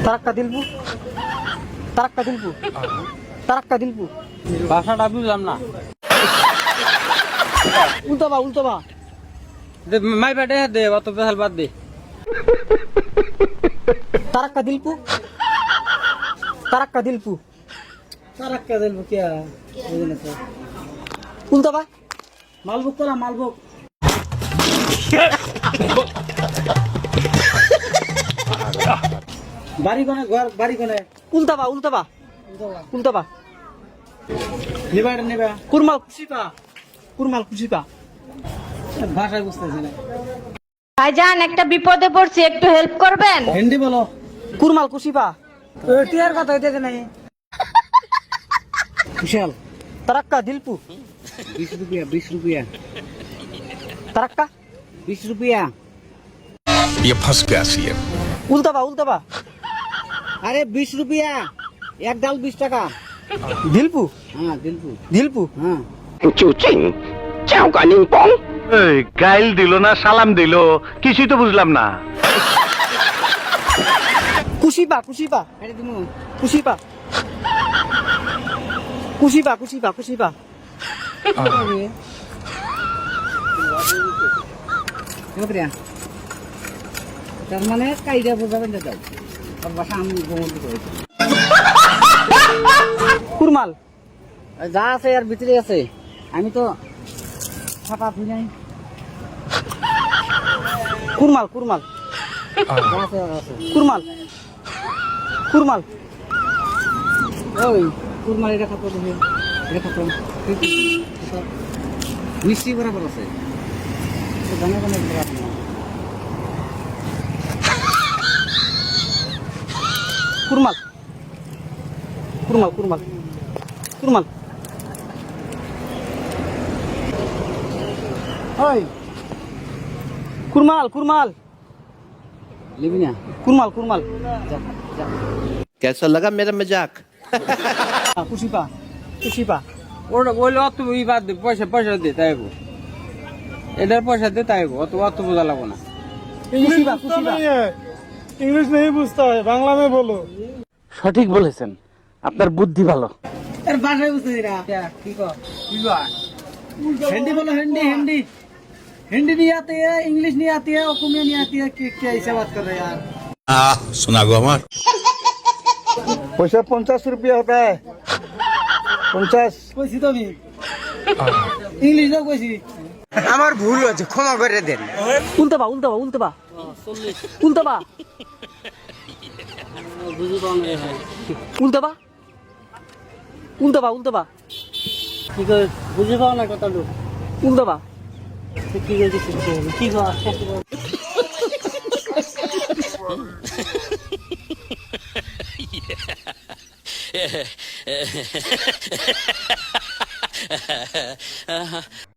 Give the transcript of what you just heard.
তারাক্কা দিলবু, তারাক্কা দিলবু, তারাক্কা দিলবু। ভাষাটা বুঝলাম না। উল্টাবা উল্টাবা। মাই বেটে দে, অত পেশাল বাদ দে। তারাক্কা দিলপু, তারাক্কা দিলপু। তারাক্কা দিলবু কে বুঝিনা তো। উল্টাবা। মালবুক করা মালবুক। বাড়ি কোনে ঘর বাড়ি কোনে? উল্টাবা উল্টাবা উল্টাবা। নিবা এটা নিবা। কুরমাল কুশিপা, কুরমাল কুশিপা। ভাষা বুঝতেছি না। ভাইজান একটা বিপদে পড়ছি, একটু হেল্প করবেন? হিন্দি বলো। কুরমাল কুশিপা। টিয়ার কথা হইতেছে নাই। বিশাল। তারাক্কা দিলপু। 20 रुपया 20 रुपया তারাক্কা 20 रुपया। ये फंस गया सीएम। উল্টাবা উল্টাবা। अरे 20 रुपया एक डाल 20 টাকা। দিলপু, हाँ दिलपु। দিলপু। हाँ এই গাইল দিল না সালাম দিল কিছুই তো বুঝলাম না। কুশিপা কুশিপা अरे तुम কুশিপা কুশিপা কুশিপা কুশিপা। रुपया তার মানে কাইদা বোঝাবেন না দাও আর ভাষা আমি বলতে করেছি। কুরমাল যা আছে আর ভিতরে আছে আমি তো ছাপা ধুই নাই। কুরমাল কুরমাল যা আছে আর আছে। কুরমাল কুরমাল। ওই কুরমাল এটা কত দেবে? এটা কত? মিষ্টি বরাবর আছে জানা কোনো বরাবর না। কুরমাল কুরমাল কুরমাল কুরমাল। ওই কুরমাল কুরমাল লিবি না? কুরমাল কুরমাল। যা যা। कैसा लगा मेरा मजाक? কুশিপা কুশিপা। ওটা বললে অত ই বাদ দে, পয়সা পয়সা দে তাইব। এদের পয়সা দে তাইব, অত অত বোঝা লাগবো না। কুশিপা কুশিপা। इंग्लिश नहीं पूछता है बांग्ला में बोलो। সঠিক বলেছেন, আপনার বুদ্ধি ভালো। আর ভাষায় বুঝতেছি না। কি কর? কি কয়? हिंदी बोलो हिंदी हिंदी। हिंदी नहीं आती है, इंग्लिश नहीं आती है, ओकुमिया नहीं आती है। क्या ऐसे बात कर रहे हैं यार? सुना गो हमार। पैसा 50 रुपया होता है 50। कोई सी तो भी इंग्लिश तो कोई सी। আমার ভুল হয়েছে, ক্ষমা করে দেন। উল্টাবা উল্টাবা উল্টাবা উল্টাবা উল্টাবা উল্টাবা উল্টাবা। কি করে বুঝে পাও না কথাটা? উল্টাবা। কি করে দিচ্ছি কি কর?